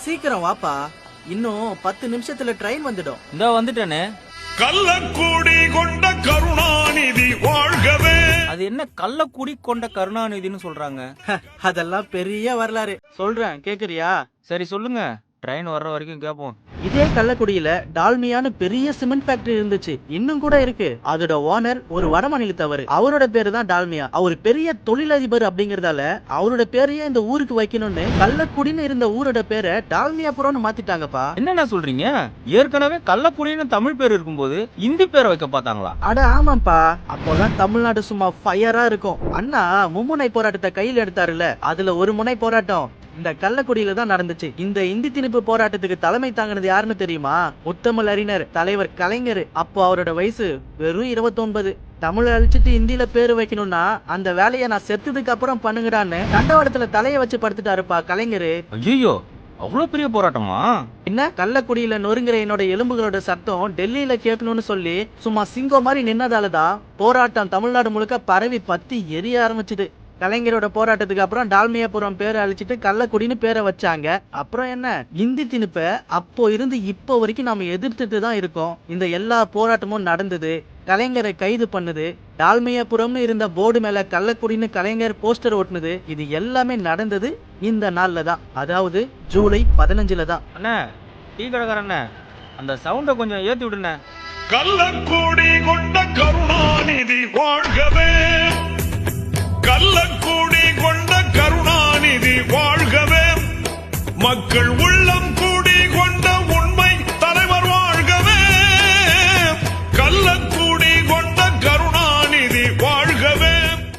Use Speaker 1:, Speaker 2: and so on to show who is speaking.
Speaker 1: சீக்கிரம் வாப்பா, இன்னும் 10 நிமிஷத்துல ட்ரெயின் வந்துடும்.
Speaker 2: இந்த வந்துட்டேனே.
Speaker 3: கள்ளக்கூடி கொண்ட கருணாநிதி வாழ்கவே.
Speaker 2: அது என்ன கள்ளக்குடி கொண்ட கருணாநிதினு சொல்றாங்க?
Speaker 1: அதெல்லாம் பெரிய வரலாறு சொல்றேன், கேக்குறியா?
Speaker 2: சரி சொல்லுங்க, ட்ரெயின் வர்ற வரைக்கும் கேப்போம்.
Speaker 1: இதே கள்ளக்குடியில டால்மியான்னு பெரிய சிமெண்ட் ஃபேக்டரி இருந்துச்சு, இன்னும் கூட இருக்கு. அதோட ஓனர் ஒரு வடமாநிலத்தவர். அவரோட பேரு தான் டால்மியா. அவர் பெரிய தொழிலதிபர் அப்படிங்கறதால அவரோட பேரையே இந்த ஊருக்கு வைக்கணும்னு கள்ளக்குடின்னு இருந்த ஊரோட பேரை டால்மியாபுரம்னு மாத்திட்டாங்கப்பா.
Speaker 2: என்னென்ன சொல்றீங்க? ஏற்கனவே கள்ளக்குடின்னு தமிழ் பேர் இருக்கும்போது இந்தி பேரை வைக்க பார்த்தாங்களா?
Speaker 1: அட ஆமாப்பா, அப்போதான் தமிழ்நாடு சும்மா ஃபயரா இருக்கும். அண்ணா மும்முனை போராட்டத்தை கையில் எடுத்தாருல, அதுல ஒரு முனை போராட்டம் இந்த கள்ளக்குடியில தான் நடந்துச்சு. இந்த இந்தி திணிப்பு போராட்டத்துக்கு தலைமை தாங்கினது யாருன்னு தெரியுமா? முத்தமிழ் அறிஞர் தலைவர் கலைஞர். அப்போ அவரோட வயசு வெறும் 29. தமிழை அழிச்சிட்டு இந்தியில பேரு வைக்கணும்னா அந்த வேலையை நான் செத்துதுக்கு அப்புறம் பண்ணுங்கடான்னு தண்டவாளத்துல தலையை வச்சு படுத்துட்டாருப்பா கலைஞர்.
Speaker 2: ஐயோ, அவ்வளவு பெரிய போராட்டமா?
Speaker 1: என்ன, கள்ளக்குடியில நொறுங்குற என்னோட எலும்புகளோட சத்தம் டெல்லியில கேட்கணும்னு சொல்லி சும்மா சிங்கம் மாதிரி நின்னதாலதான் போராட்டம் தமிழ்நாடு முழுக்க பரவி பத்தி எரிய ஆரம்பிச்சுது. கலைஞரோட போராட்டத்துக்கு அப்புறம் டால்மியாபுரம் பேரை அழிச்சிட்டு கள்ளக்குடின்னு பேரை வச்சாங்க. அப்புறம் என்ன, இந்தி திணிப்ப அப்போ இருந்து இப்போ வரைக்கும் நாம எதிர்த்துட்டு தான் இருக்கோம். இந்த எல்லா போராட்டமும் நடந்தது, கலைஞரை கைது பண்ணுது, டால்மியாபுரம்னு இருந்த போர்டு மேல கள்ளக்குடின்னு கலைஞர் போஸ்டர் ஓட்டுனது, இது எல்லாமே நடந்தது இந்த நாள்ல தான், அதாவது ஜூலை 15 தான்.
Speaker 2: அண்ணா, டீ கடைக்காரண்ணே, அந்த சவுண்ட கொஞ்சம் ஏத்தி விடுண்ணே.
Speaker 3: கள்ளக்கூடி கொண்ட கருணாநிதி வாழ்கவே. கள்ளக்கூடி கொண்ட கருணாநிதி வாழ்கவே. மக்கள் உள்ள